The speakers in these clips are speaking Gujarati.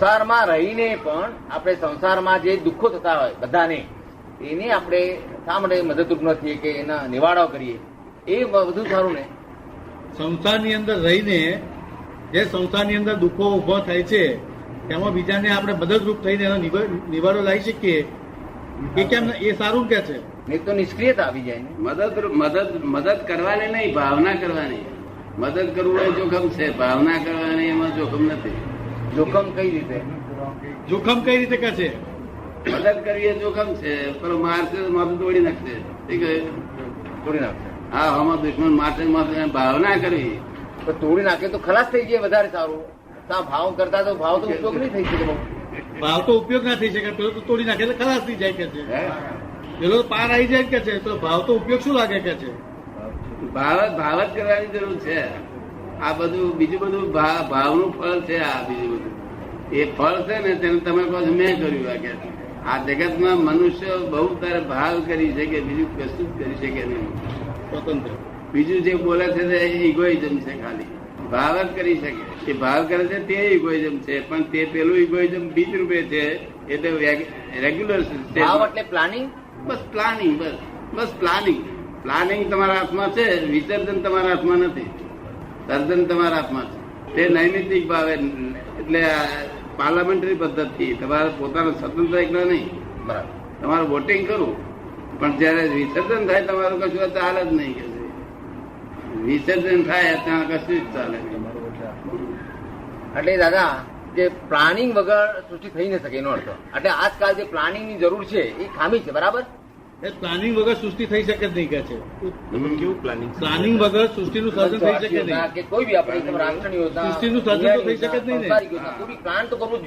સંસારમાં રહીને પણ આપણે સંસારમાં જે દુઃખો થતા હોય બધાને, એને આપણે શા માટે મદદરૂપ નથી કે એના નિવાડો કરીએ, એ બધું સારું ને. સંસારની અંદર રહીને જે સંસારની અંદર દુઃખો ઉભો થાય છે તેમાં બીજાને આપણે મદદરૂપ થઈને એનો નિવાડો લાવી શકીએ, એ કેમ એ સારું કે છે? નહીં તો નિષ્ક્રિયતા આવી જાય ને. મદદ કરવાની નહીં, ભાવના કરવાની. મદદ કરવું એ જોખમ છે, ભાવના કરવાની એમાં જોખમ નથી. જોખમ કઈ રીતે? જોખમ કઈ રીતે કે છે? મદદ કરવી એ જોખમ છે, પણ મારશે માથું તોડી નાખશે. ઠીક છે, તોડી નાખશે. હા, આમાં દુશ્મન મારશે માથું. ભાવના કરવી તો તોડી નાખે તો ખલાસ થઈ જાય, વધારે સારું. ભાવ કરતા તો ભાવ તો ઉપયોગ નહીં થઈ શકે. ભાવ તો ઉપયોગ ના થઈ શકે, પેલો તો તોડી નાખે એટલે ખલાસ થઈ જાય કે છે. પેલો પાર આવી જાય કે છે, તો ભાવ તો ઉપયોગ શું લાગે કે છે? ભાવ જ કરવાની જરૂર છે. આ બધું બીજું બધું ભાવનું ફળ છે. આ બીજું બધું એ ફળ છે ને, તેને તમે કહો છો મેં કર્યું. આ કે આ જગતમાં મનુષ્ય બહુ તારે ભાવ કરી શકે, બીજું કશું જ કરી શકે નહીં. સ્વતંત્ર બીજું જે બોલે છે તે ઇગોઇઝમ છે. ખાલી ભાવ જ કરી શકે. એ ભાવ કરે છે તે ઇગોઇઝમ છે, પણ તે પેલું ઇગોઇઝમ બીજ રૂપે છે. એટલે રેગ્યુલર ભાવ એટલે પ્લાનિંગ. બસ પ્લાનિંગ, બસ પ્લાનિંગ. પ્લાનિંગ તમારા હાથમાં છે, વિસર્જન તમારા હાથમાં નથી. સર્જન તમારા હાથમાં છે. તે નૈમિતિક ભાવે, એટલે પાર્લામેન્ટરી પદ્ધતિ. તમારે પોતાનું સ્વતંત્ર એકલા નહીં. બરાબર. તમારે વોટિંગ કરવું, પણ જયારે વિસર્જન થાય તમારું કશું ચાલે જ નહીં. કે વિસર્જન થાય ત્યાં કશું જ ચાલે નહીં. એટલે દાદા, જે પ્લાનિંગ વગર સૃષ્ટિ થઈ ન શકે એનો અર્થ. એટલે આજકાલ જે પ્લાનિંગ ની જરૂર છે એ ખામી છે. બરાબર. એ પ્લાનિંગ વગર સૃષ્ટિ થઈ શકે જ નહીં કે છે. કેવું પ્લાનિંગ? પ્લાનિંગ વગર સૃષ્ટિનું સર્જન થઈ શકે નહીં. કે કોઈ બી આપણે રાષ્ટ્રની યોજના, સૃષ્ટિનું સર્જન તો થઈ શકે જ નહીં ને. કોઈ બી પ્લાન તો કરવું જ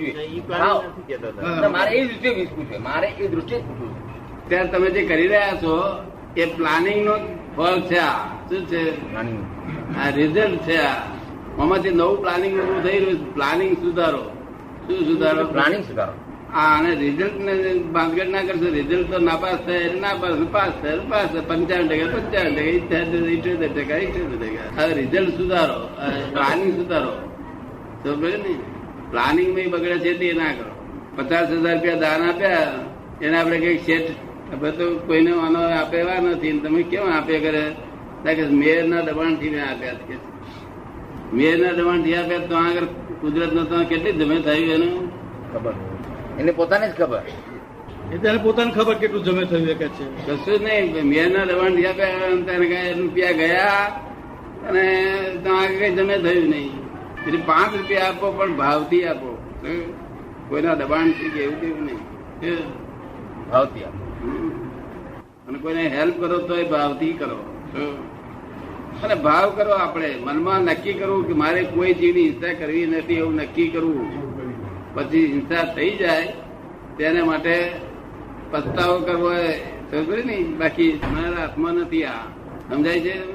જોઈએ. મારે એ દૃષ્ટિએ પૂછવું છે. મારે એ દૃષ્ટિએ જ પૂછવું છે. ત્યારે તમે જે કરી રહ્યા છો એ પ્લાનિંગ નો ફળ છે. આ શું છે? પ્લાનિંગ. આ રિઝલ્ટ છે. આમાંથી નવું પ્લાનિંગ ઉભું થઈ રહ્યું. પ્લાનિંગ સુધારો. શું સુધારો? પ્લાનિંગ સુધારો. હા, અને રિઝલ્ટ ને બાંધગઢ ના કરશો. રિઝલ્ટ તો નાપાસ થાય, નાપાસ પાસ થાય, પાસ 55%, 55%, 78%, હવે રિઝલ્ટ સુધારો, પ્લાનિંગ સુધારો. તો ને પ્લાનિંગ માં બગડે છે તે ના કરો. 50,000 રૂપિયા દાન આપ્યા, એને આપડે કઈક શેઠ હવે તો કોઈને આનો આપે એવા નથી. તમે કેમ આપે કરે? મેયર ના દબાણ થી મેં આપ્યા. મેયર ના દબાણ થી આપ્યા તો આગળ કુદરત નો તો કેટલી જમે થયું એનું ખબર, એને પોતાને જ ખબર. એ તેને પોતાને ખબર કેટલું જમે થયું કે છે. કશું જ નહીં. મેયર ના દબાણ થી આપ્યા, રૂપિયા ગયા અને તમારે કઈ જમે થયું નહીં. એટલે 5 રૂપિયા આપો, પણ ભાવથી આપો. કોઈના દબાણ થી કે એવું કેવું નહીં. ભાવથી આપો. અને કોઈને હેલ્પ કરો તો એ ભાવથી કરો. અને ભાવ કરો. આપણે મનમાં નક્કી કરવું કે મારે કોઈ જીવની હિંસા કરવી નથી, એવું નક્કી કરવું. પછી હિંસા થઈ જાય તેના માટે પસ્તાવો કરવો સમજ ને. બાકી મારા હાથમાં નથી. આ સમજાય છે?